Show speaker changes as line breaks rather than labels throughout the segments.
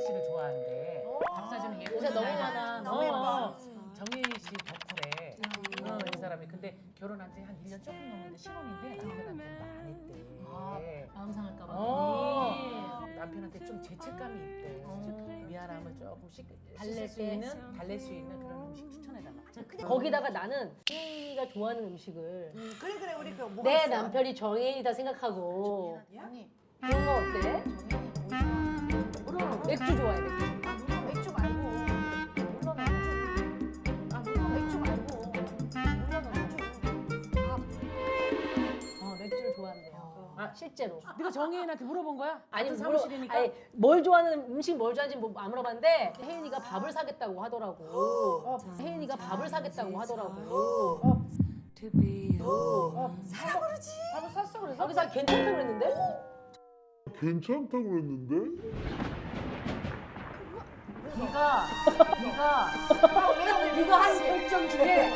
씨를 좋아한대. 박사주는 예쁜
요새 너무
여자.
많아.
너무 예뻐.
정혜인 씨 덕후래. 이 사람이 근데 결혼한 지 한 1년 조금 넘었는데 신혼인데 남편한테 말 안 했대.
마음 상할까 봐.
남편한테 좀 죄책감이 있대. 미안함을 조금씩
달랠
달랠 수 있는 그런 음식 추천해달라.
거기다가 나는 혜인이가 좋아하는 음식을
그래 우리 그 뭐가
내
있어?
남편이 정혜인이다 생각하고
언니
그런 거 어때? 맥주 좋아해 맥주.
누나 맥주 말고 누나 맥주 말고
맥주를 좋아한대요. 실제로.
네가 정혜인한테 물어본 거야?
아니,
같은 사무실이니까?
아니 뭘 좋아하는 음식 뭘 좋아하는지 뭐 안 물어봤는데 혜인이가 밥을 사겠다고 하더라고. 혜인이가 밥을 사겠다고 하더라고.
사라 그러지.
밥을 샀어 그래서?
거기서 괜찮다고 그랬는데?
괜찮다고 그랬는데?
네가 한 결정 중에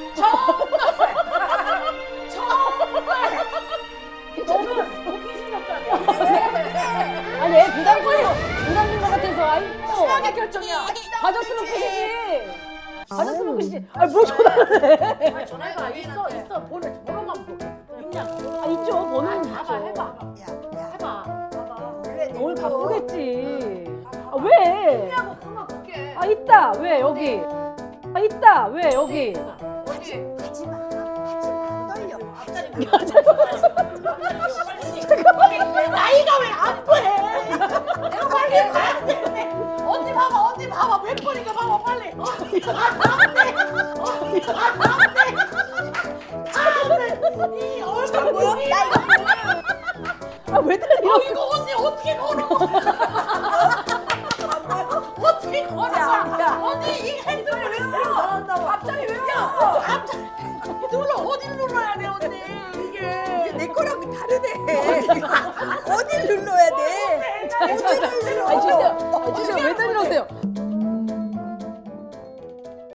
너는 호기심력감이야.
아니 애 부담인 것 같아서 아이고
최악의 결정이야.
가졌으면 끝이지. 가졌으면 끝이지. 아니 뭘 전화를 해.
전화해봐. 있어. 번호만 있냐?
아 있죠 번호는
봐봐,
있죠.
해봐.
봐봐. 원래
오늘 바쁘겠지. 아 왜?
하고 그만 볼게.
아 있다 왜 여기? 아 있다 왜 여기?
하지마. 떨려. 앞자리
나이가 왜 안 돼? 내가 빨리 가야 되는데. 언니 봐봐. 몇 번인가 봐봐, 빨리. 이 얼굴 뭐야?
아왜 달려?
이거 언니 어떻게 걸어? 어떻게 걸어? 언니 이 핸드폰을 왜 눌러? 앞자리 왜 눌러? 앞자리 눌러. 어디를 눌러야 돼, 언니? 이게.
내 거랑 다르네. 어딜 눌러야 돼? 어디를 눌러?
아니 주세요 왜 달려오세요?